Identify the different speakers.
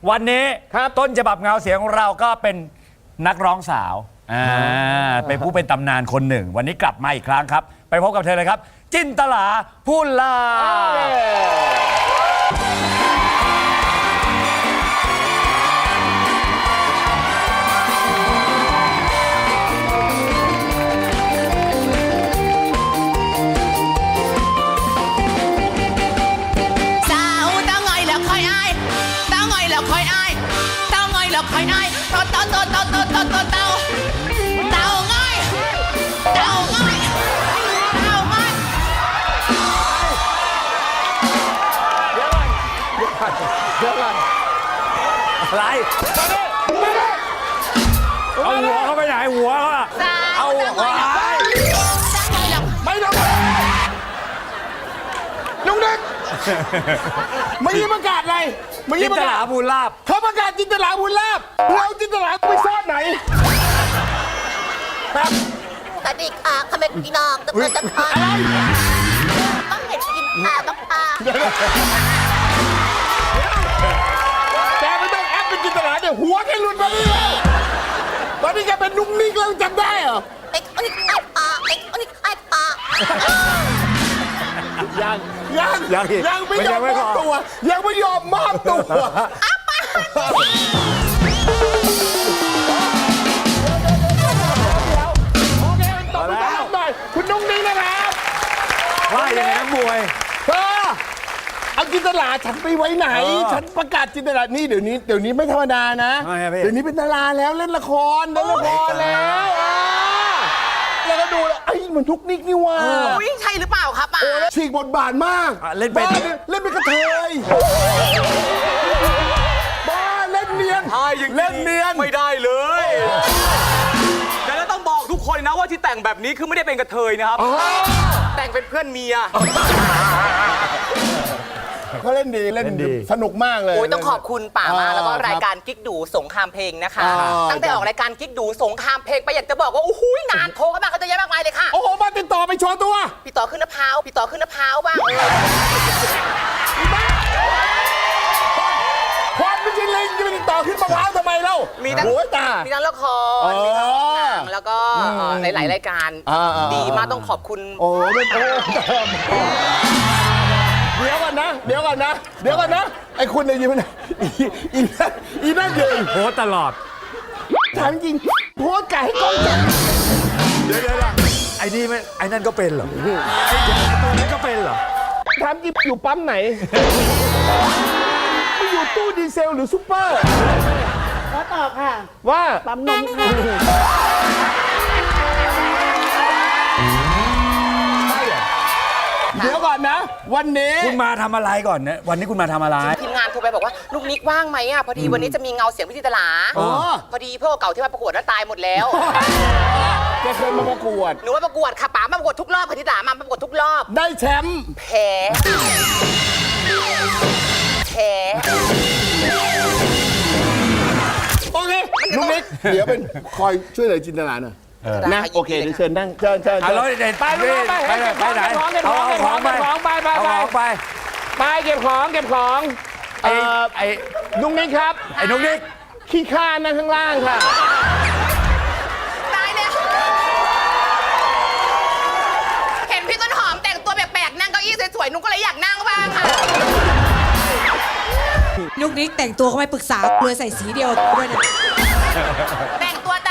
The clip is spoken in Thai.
Speaker 1: วันนี้ต้นฉบับเงาเสียงของเราก็เป็นนักร้องสาวเป็นผู้เป็นตำนานคนหนึ่งวันนี้กลับมาอีกครั้งครับไปพบกับเธอเลยครับจินตลาพูนลา
Speaker 2: คอยได้เต่าง่อย
Speaker 1: เดี๋ยวก่อนอะไรเอาหัวเขาไปไหนหัวเขาอะเอาหัว
Speaker 3: ไม่ต้องลุงเด็กไม่ได้ประกาศอะไร
Speaker 1: จินตลาพูนลาบ
Speaker 3: เขาประกาศจินตลาพูนลาบเราจินตลาไปซ่อนไหนครับ
Speaker 2: สวัสดีค่ะคำเป็นพี่น้องตะเกียบตะคอนต้องเห็นกินปลาบ้างปลา
Speaker 3: แกไม่ต้องแอปเป็นจินตลาเดี๋ยวหัวแกหลุดมาดิตอนนี้แกเป็นนุ่มนิ่งแล้วจำได้เหรอ
Speaker 2: ไอ้คนนี้ไอ้ปลาไอ้คนนี้ไอ้ปลา
Speaker 3: ยังไม่ยอมมอบตัวยังไม่ยอมมอบตัวโอเคตบมือต้อนรับหน่อยคุณนุ่งนิ่งนะครับ
Speaker 1: ว่าอย่างไรนักมวย
Speaker 3: เอาจินตลาฉันไปไว้ไหนฉันประกาศจินตลานี่เดี๋ยวนี้ไม่ธรรมดานะเดี๋ยวนี้เป็นดาราแล้วเล่นละครแล้วแล้วก็ดูแล้วไอ้มันทุกนิกนี่ว่า
Speaker 2: วิ่งใช่หรือเปล่าครับ
Speaker 3: ฉีกบทบาทมาก
Speaker 1: เล่นเป็น
Speaker 3: กระเทยบ้าเล่นเนียนเล่นเนียน
Speaker 4: ไม่ได้เลยแต่แล้วต้องบอกทุกคนนะว่าที่แต่งแบบนี้คือไม่ได้เป็นกระเทยนะครับแต่งเป็นเพื่อนเมีย
Speaker 3: เขาเล่นดีสนุกมากเลย
Speaker 2: โอ้ยต้องขอบคุณป่ามาแล้วก็รายการกิ๊กดูสงครามเพลงนะคะตั้งแต่ออกรายการกิ๊กดูสงครามเพลงไปอยากจะบอกว่าโอ้โหงานโทรเข้ามาเขาจะเยอะมากมายเลยค่ะ
Speaker 3: โอ้โหมาติดต่อไปโชว์ตัว
Speaker 2: พี่ต่อขึ้นมะพร้าวบ้าง
Speaker 3: ความไม่ใช่เล่นจะไปติดต่อขึ้นมะพร้าวทำไมเล่า
Speaker 2: มีทั้งละครมีทั้งหนังแล้วก็หลายรายการดีมากต้องขอบคุณ
Speaker 3: โอ้เดี๋ยวก่อนนะไอ้คุณเนี่ยยืนอีนั่นยืน
Speaker 1: โพสตลอด
Speaker 3: ถามจริงโพสไก่ให้กล้องจับ
Speaker 1: เดี๋ยวไอ้นี่ไม่ไอ้นั่นก็เป็นเหรอไอ้ตัวนั้นก็เป็นเหรอ
Speaker 3: ถามจริงอยู่ปั๊มไหนไม่อยู่ตู้ดีเซลหรือซุปเปอร์
Speaker 5: ขอตอบค่ะ
Speaker 3: ว่า
Speaker 5: ปั๊มนมค่ะ
Speaker 3: เดี๋ยวก่อนนะวันนี้
Speaker 1: คุณมาทำอะไรก่อนนะวันนี้คุณมาทำอะไร
Speaker 2: ทีมงานโทรไปบอกว่าลูกนิกว่างไหมพอดีวันนี้จะมีเงาเสียงพิธีตลาพอดีพวกเก่าที่มาประกวดแล้วตายหมดแล้ว
Speaker 3: แกเคยมาประกวด
Speaker 2: หนูมาประกวดค่ะป๋ามาประกวดทุกรอบพิธีตลามาประกวดทุกรอบ
Speaker 3: ได้แชมป์
Speaker 2: แพ้
Speaker 3: โอเคลูกนิกเดี๋ยวเป็นคอยช่วยเหลือจินตลาหน่อยนะโอเคเดี๋ยวเชิญนั่งเชิญ
Speaker 1: ไปไหนเอาของไป
Speaker 3: เก็บของไอ้นุ๊กนิกครับ
Speaker 1: ไอ้นุ๊กนิก
Speaker 3: ขี้ข้านั่งข้างล่างค่ะ
Speaker 2: ตายเลยเห็นพี่ต้นหอมแต่งตัวแปลกๆนั่งเก้าอี้สวยๆนุ๊กก็เลยอยากนั่งบ้างค่ะ
Speaker 5: นุ๊กนิกแต่งตัวเขาไม่ปรึกษาเลยใส่สีเดียวด้วยนะ
Speaker 2: แต่งตัว